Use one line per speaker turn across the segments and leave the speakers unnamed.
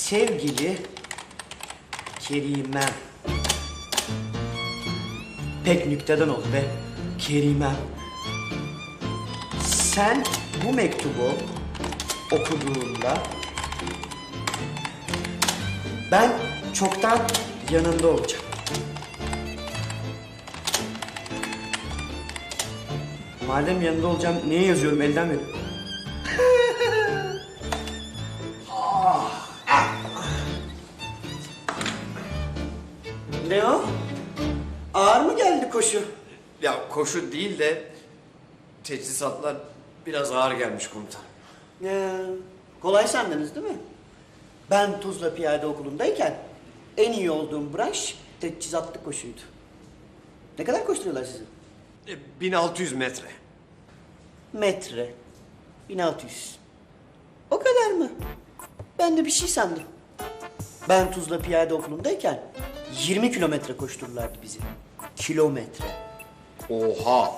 Sevgili Kerimem. Pek nükteden oldu be. Kerimem. Sen bu mektubu okuduğunda ben çoktan yanında olacağım. Madem yanında olacağım, niye yazıyorum? Elden verin. Ne o? Ağır mı geldi koşu?
Ya koşu değil de teçhizatlar biraz ağır gelmiş komutan.
Kolay sandınız değil mi? Ben Tuzla Piyade Okulu'ndayken en iyi olduğum branş teçhizatlı koşuydu. Ne kadar koşturuyorlar sizi?
1600 metre.
Metre. 1600. O kadar mı? Ben de bir şey sandım. Ben Tuzla Piyade Okulu'ndayken 20 kilometre koştururlardı bizi. Kilometre.
Oha.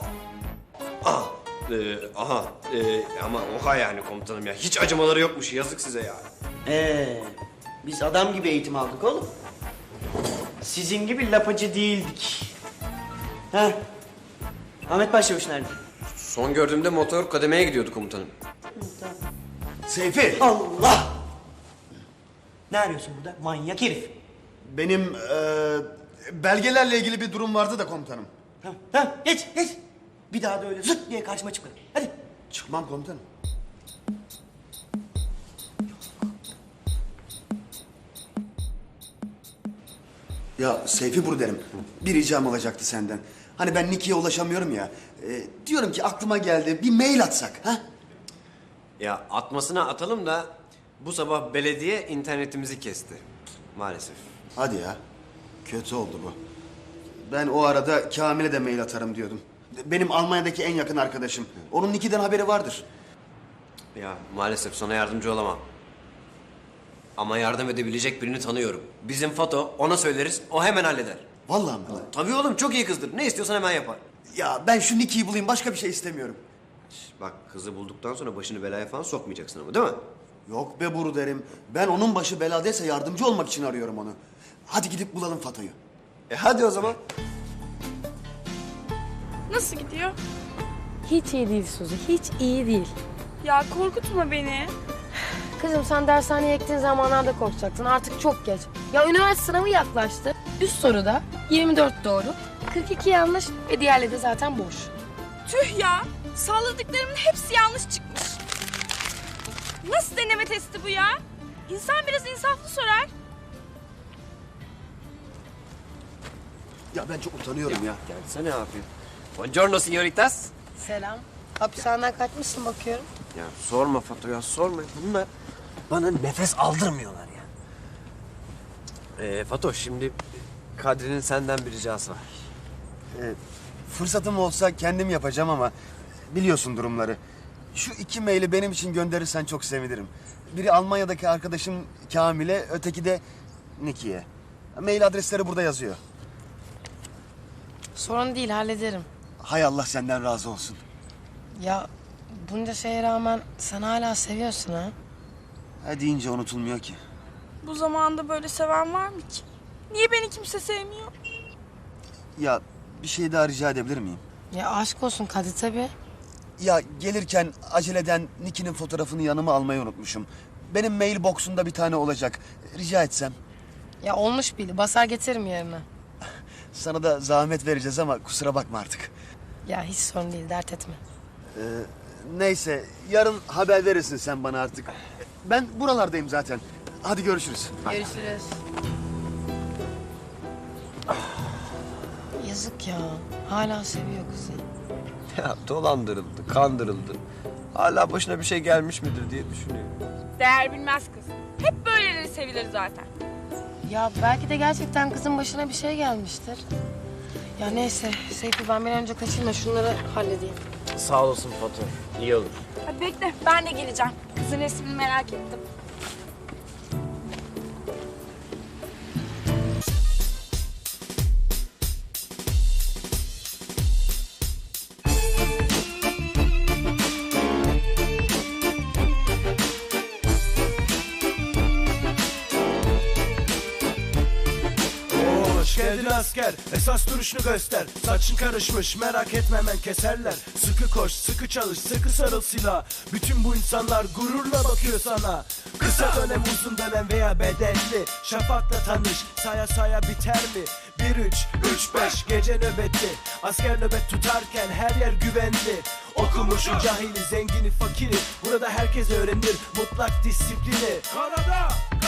Ama oha yani komutanım ya. Hiç acımaları yokmuş. Yazık size ya.
Biz adam gibi eğitim aldık oğlum. Sizin gibi lapacı değildik. Ha? Ahmet Başçavuş nerede?
Son gördüğümde motor kademeye gidiyordu komutanım.
Seyfi,
Allah! Ne arıyorsun burada? Manyak herif.
benim belgelerle ilgili bir durum vardı da komutanım.
Tamam, geç. Bir daha da öyle zıt diye karşıma çıkma. Hadi.
Çıkmam komutanım. Ya Seyfi derim. Bir ricam olacaktı senden. Hani ben Niki'ye ulaşamıyorum ya. Diyorum ki aklıma geldi. Bir mail atsak, ha?
Ya atmasına atalım da bu sabah belediye internetimizi kesti. Maalesef.
Hadi ya. Kötü oldu bu. Ben o arada Kamil'e de mail atarım diyordum. Benim Almanya'daki en yakın arkadaşım. Onun Niki'den haberi vardır.
Ya maalesef sana yardımcı olamam. Ama yardım edebilecek birini tanıyorum. Bizim Fato, ona söyleriz, o hemen halleder.
Vallahi mi?
Tabii oğlum, çok iyi kızdır. Ne istiyorsan hemen yapar.
Ya ben şu Niki'yi bulayım, başka bir şey istemiyorum.
Bak, kızı bulduktan sonra başını belaya falan sokmayacaksın ama, değil mi?
Yok be Buru derim. Ben onun başı beladaysa yardımcı olmak için arıyorum onu. Hadi gidip bulalım Fato'yu.
Hadi o zaman.
Nasıl gidiyor?
Hiç iyi değil Suzi, hiç iyi değil.
Ya korkutma beni.
Kızım sen dershaneye gittiğin zamanlarda korkacaksın. Artık çok geç. Ya üniversite sınavı yaklaştı. Üst soruda 24 doğru, 42 yanlış ve diğerleri de zaten boş.
Tüh ya. Salladıklarımın hepsi yanlış çıkmış. Nasıl deneme testi bu ya? İnsan biraz insaflı sorar.
Ya ben çok utanıyorum ya.
Gelsene abi. Buongiorno signoritas.
Selam. Hapishaneden kaçmışsın bakıyorum.
Ya sorma Fato ya, sorma. Bunlar bana nefes aldırmıyorlar ya. Fato, şimdi Kadri'nin senden bir ricası var.
Fırsatım olsa kendim yapacağım ama biliyorsun durumları. Şu 2 maili benim için gönderirsen çok sevinirim. Biri Almanya'daki arkadaşım Kamil'e, öteki de Niki'ye. Mail adresleri burada yazıyor.
Sorun değil, hallederim.
Hay Allah senden razı olsun.
Ya bunca şeye rağmen sen hala seviyorsun ha?
Ha deyince unutulmuyor ki.
Bu zamanda böyle seven var mı ki? Niye beni kimse sevmiyor?
Ya bir şey daha rica edebilir miyim?
Ya aşk olsun Kadir tabii.
Ya gelirken aceleden Niki'nin fotoğrafını yanıma almayı unutmuşum. Benim mail box'umda bir tane olacak. Rica etsem.
Ya olmuş bile, basar getiririm yerine.
Sana da zahmet vereceğiz ama kusura bakma artık.
Ya hiç sorun değil, dert etme.
Neyse yarın haber verirsin sen bana artık. Ben buralardayım zaten. Hadi görüşürüz.
Görüşürüz. Yazık ya. Hala seviyor kızı.
Ya dolandırıldı, kandırıldı. Hala başına bir şey gelmiş midir diye düşünüyor.
Değer bilmez kız. Hep böyleleri sevilir zaten.
Ya belki de gerçekten kızın başına bir şey gelmiştir. Ya neyse Seyfi, ben bir an önce kaçayım da şunları halledeyim.
Sağ olasın Fato. İyi olur.
Hadi bekle, ben de geleceğim. Kızın resmini merak ettim.
geldin asker, esas duruşunu göster. Saçın karışmış, merak etme hemen keserler. Sıkı koş, sıkı çalış, sıkı sarıl silah. Bütün bu insanlar gururla bakıyor sana. Kısa dönem, uzun dönem veya bedelli. Şafakla tanış, saya saya biter mi? 1-3-3-5 gece nöbeti. Asker nöbet tutarken her yer güvenli. Okumuşu, cahili, zengini, fakiri, burada herkes öğrenir mutlak disiplini. Karada